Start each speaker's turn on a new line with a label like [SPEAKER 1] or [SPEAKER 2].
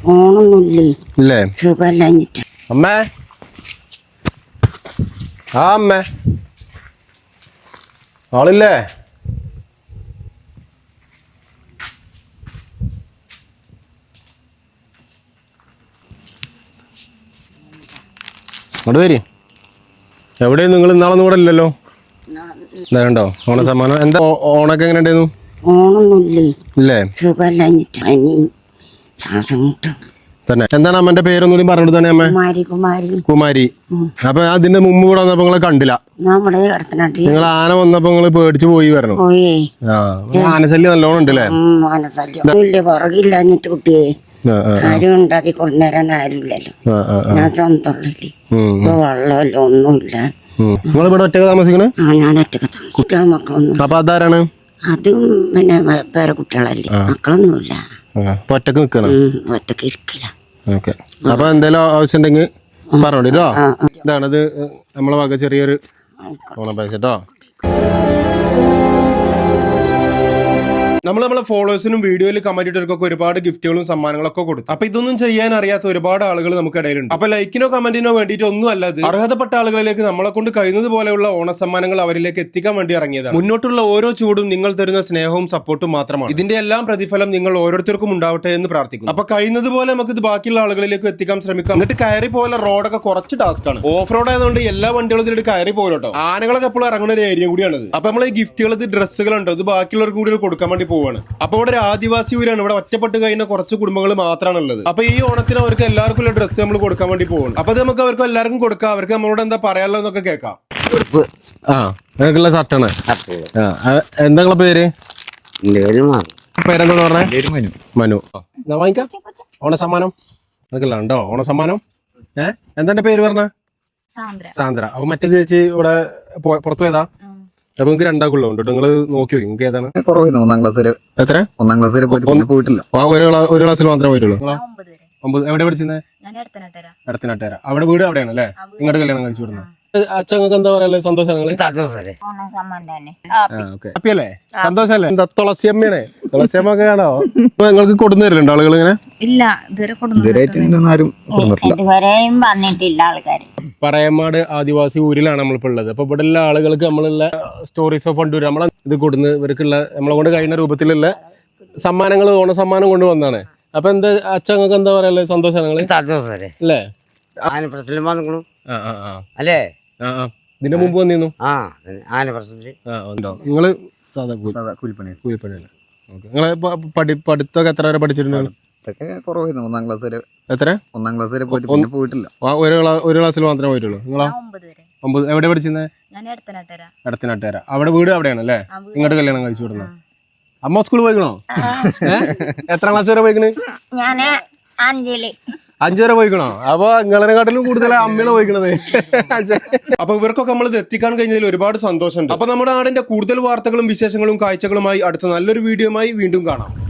[SPEAKER 1] ഫോണൊന്നുമില്ലേ
[SPEAKER 2] ഇല്ലേ?
[SPEAKER 1] സുഖമല്ലഞ്ഞിട്ട്.
[SPEAKER 2] അമ്മേ, ആ അമ്മേ, ആളില്ലേ? അങ്ങോട്ട് വരി. എവിടെയും നിങ്ങൾ ഇന്നാളൊന്നും കൂടെ ഇല്ലല്ലോ. കണ്ടോ ഓണ സമ്മാനം? എന്താ ഓണൊക്കെ എങ്ങനെ ഉണ്ടായിരുന്നു?
[SPEAKER 1] ഫോണൊന്നുമില്ലേ
[SPEAKER 2] ഇല്ലേ?
[SPEAKER 1] സുഖമല്ലഞ്ഞിട്ട് അനി ശ്വാസം മുട്ടും.
[SPEAKER 2] തന്നെ. എന്താണ് അമ്മന്റെ പേരൊന്നും കൂടി പറഞ്ഞിട്ട് തന്നെ അമ്മ?
[SPEAKER 1] കുമാരി കുമാരി
[SPEAKER 2] കുമാരി. അപ്പൊ അതിന്റെ മുമ്പ് കൂടെ വന്നപ്പോ നിങ്ങളെ കണ്ടില്ല.
[SPEAKER 1] നമ്മുടെ കിടത്തനാട്ടി
[SPEAKER 2] നിങ്ങൾ ആന വന്നപ്പോ നിങ്ങള് പേടിച്ചു പോയി വരണം.
[SPEAKER 1] പോയേ.
[SPEAKER 2] ആനശല്യം നല്ലോണം ഉണ്ടല്ലേ?
[SPEAKER 1] മനസ്സല്യം ഇല്ല, പുറകില്ലാഞ്ഞിട്ട് കുട്ടിയെ ആരും ഉണ്ടാക്കി കൊണ്ടുവരാൻ ആരുമില്ലല്ലോ. ഞാൻ സ്വന്തമില്ലേ, ഇപ്പൊ വെള്ളമല്ലോ ഒന്നുമില്ല.
[SPEAKER 2] നിങ്ങൾ ഇവിടെ ഒറ്റക്ക് താമസിക്കണേ?
[SPEAKER 1] ഞാൻ ഒറ്റക്ക് കുട്ടികളും മക്കളൊന്നും.
[SPEAKER 2] അപ്പൊ അതാരാണ്?
[SPEAKER 1] അതും പിന്നെ പേരെ കുട്ടികളല്ലേ, മക്കളൊന്നുമില്ല.
[SPEAKER 2] ഒറ്റക്ക് നിക്കണം?
[SPEAKER 1] ഒറ്റക്ക് ഇരിക്കില്ല.
[SPEAKER 2] ഓക്കെ. അപ്പൊ എന്തെങ്കിലും ആവശ്യം ഉണ്ടെങ്കിൽ പറഞ്ഞോട്ടോ. ഇതാണത് നമ്മളെ വക ചെറിയൊരു ഓണം പൈസ കേട്ടോ. നമ്മളെ ഫോളോവേഴ്സിനും വീഡിയോയിൽ കമന്റ് ഇട്ടവർക്കൊക്കെ ഒരുപാട് ഗിഫ്റ്റുകളും സമ്മാനങ്ങളൊക്കെ കൊടുത്തു. അപ്പൊ ഇതൊന്നും ചെയ്യാൻ അറിയാത്ത ഒരുപാട് ആളുകൾ നമുക്ക് ഇടയിലുണ്ട്. അപ്പൊ ലൈക്കിനോ കമന്റിനോ വേണ്ടിയിട്ട് ഒന്നും അല്ലാതെ അർഹതപ്പെട്ട ആളുകളിലേക്ക് നമ്മളെ കൊണ്ട് കഴിയുന്നത് പോലെയുള്ള ഓണ സമ്മാനങ്ങൾ അവരിലേക്ക് എത്തിക്കാൻ വേണ്ടി ഇറങ്ങിയതാണ്. മുന്നോട്ടുള്ള ഓരോ ചൂടും നിങ്ങൾ തരുന്ന സ്നേഹവും സപ്പോർട്ടും മാത്രമാണ്. ഇതിന്റെ എല്ലാം പ്രതിഫലം നിങ്ങൾ ഓരോരുത്തർക്കും ഉണ്ടാവട്ടെ എന്ന് പ്രാർത്ഥിക്കുന്നു. അപ്പൊ കഴിയുന്നത് പോലെ നമുക്ക് ഇത് ബാക്കിയുള്ള ആളുകളിലേക്ക് എത്തിക്കാൻ ശ്രമിക്കാം. എന്നിട്ട് കയറി പോലെ റോഡൊക്കെ കുറച്ച് ടാസ്ക് ആണ്. ഓഫ് റോഡ് ആയതുകൊണ്ട് എല്ലാ വണ്ടികളും ഇതിട്ട് കയറി പോലോട്ടോ. ആനകളൊക്കെ എപ്പോഴും ഇറങ്ങുന്ന ഒരു ഏരിയ കൂടിയാണിത്. അപ്പൊ നമ്മൾ ഈ ഗിഫ്റ്റുകൾ, ഡ്രസ്സുകളുണ്ടോ, ഇത് ബാക്കിയുള്ളവർക്ക് കൂടി കൊടുക്കാൻ വേണ്ടി പോവാണ്. അപ്പൊ ഇവിടെ ഒരു ആദിവാസി ഊരാണ്. ഇവിടെ ഒറ്റപ്പെട്ട് കഴിഞ്ഞ കുറച്ച് കുടുംബങ്ങൾ മാത്രമാണ് ഉള്ളത്. അപ്പൊ ഈ ഓണത്തിന് അവർക്ക് എല്ലാവർക്കും ഉള്ള ഡ്രസ്സ് നമ്മൾ കൊടുക്കാൻ വേണ്ടി പോകുന്നു. അപ്പൊ അത് നമുക്ക് അവർക്ക് എല്ലാവർക്കും കൊടുക്കാം. അവർക്ക് നമ്മളോട് എന്താ പറയാനുള്ളതെന്നൊക്കെ കേൾക്കാം. ആ ഷർട്ടാണ്. എന്താ നിങ്ങളെ പേര്? പേരെന്താ പറഞ്ഞേ? മനു. വാങ്ങിക്കാം ഓണ സമ്മാനം. അതൊക്കെ ഉണ്ടോ ഓണ സമ്മാനം? എന്താ പേര് പറഞ്ഞ? സാന്ദ്ര. അപ്പൊ മറ്റേ ചേച്ചി ഇവിടെ പുറത്തു പോയതാ? അപ്പൊ നിങ്ങൾക്ക് രണ്ടാക്കുള്ള ഉണ്ട്. നിങ്ങൾ നോക്കി നിങ്ങൾക്ക് ഏതാണ്?
[SPEAKER 3] ഒന്നാം ക്ലാസ് വരെ.
[SPEAKER 2] എത്ര? ഒന്നാം ക്ലാസ് വരെ
[SPEAKER 3] പോയിട്ടില്ല.
[SPEAKER 2] ഒരു ക്ലാസ്സിൽ മാത്രമേ പോയിട്ടുള്ളൂ. 9. എവിടെ പഠിച്ചത്? അടുത്തനാട്ടുകാര. അവിടെ വീട് അവിടെയാണ് അല്ലേ? നിങ്ങളുടെ കല്യാണം കഴിച്ചു വിടുന്നത്? അച്ഛങ്ങൾക്ക് എന്താ പറയാ? സന്തോഷങ്ങള്? ഹാപ്പിയല്ലേ? സന്തോഷല്ലേ? എന്താ തുളസിയമ്മയാണ്? തുളസിയമ്മ ഒക്കെ ആണോ നിങ്ങൾക്ക് കൊടുന്നു തരുന്നുണ്ട് ആളുകൾ? ഇങ്ങനെ
[SPEAKER 4] ഇല്ല, ഇതുവരെയും വന്നിട്ടില്ല ആൾക്കാര്.
[SPEAKER 2] പറയമാട് ആദിവാസി ഊരിലാണ് നമ്മളിപ്പോ ഉള്ളത്. അപ്പൊ ഇവിടെ ഉള്ള ആളുകൾക്ക് നമ്മളുള്ള സ്റ്റോറീസ് ഓഫ് ഫണ്ടൂർ നമ്മളെ ഇത് കൊടുന്ന് ഇവർക്കുള്ള നമ്മളെ കൊണ്ട് കഴിയുന്ന രൂപത്തിലുള്ള സമ്മാനങ്ങൾ, ഓണ സമ്മാനം കൊണ്ടുവന്നാണ്. അപ്പൊ എന്താ അച്ഛങ്ങൾക്ക് എന്താ പറയാ? സന്തോഷങ്ങള് അല്ലേ?
[SPEAKER 3] അല്ലേ?
[SPEAKER 2] ഇതിന്റെ മുമ്പ് വന്നിരുന്നു നിങ്ങള്? കൂലിപ്പണിയല്ലേ? നിങ്ങളെ പഠിത്തമൊക്കെ എത്ര വരെ പഠിച്ചിട്ടുണ്ട്?
[SPEAKER 3] ഒന്നാം ക്ലാസ് വരെ.
[SPEAKER 2] എത്ര?
[SPEAKER 3] ഒന്നാം ക്ലാസ് വരെ പോയിട്ടില്ല.
[SPEAKER 2] ഒരു ക്ലാസ്സിൽ മാത്രമേ പോയിട്ടുള്ളൂ. നിങ്ങളാ? 9. എവിടെ പഠിച്ചിരുന്നത്? അടുത്തനാട്ടുകാര. അവിടെ വീട് അവിടെയാണ് അല്ലേ? ഇങ്ങോട്ട് കല്യാണം കഴിച്ചു വിടുന്നത്? അമ്മ സ്കൂളിൽ പോയിക്കണോ? എത്ര ക്ലാസ് വരെ പോയിക്കണ്? 5 വരെ പോയിക്കണോ? അപ്പൊ നിങ്ങളെക്കാട്ടിലും കൂടുതൽ അമ്മയാണ് പോയിക്കണത്. അപ്പൊ ഇവർക്കൊക്കെ നമ്മൾ ഇത് എത്തിക്കാൻ കഴിഞ്ഞതിൽ ഒരുപാട് സന്തോഷമുണ്ട്. അപ്പൊ നമ്മുടെ നാടിന്റെ കൂടുതൽ വാർത്തകളും വിശേഷങ്ങളും കാഴ്ചകളുമായി അടുത്ത നല്ലൊരു വീഡിയോയുമായി വീണ്ടും കാണാം.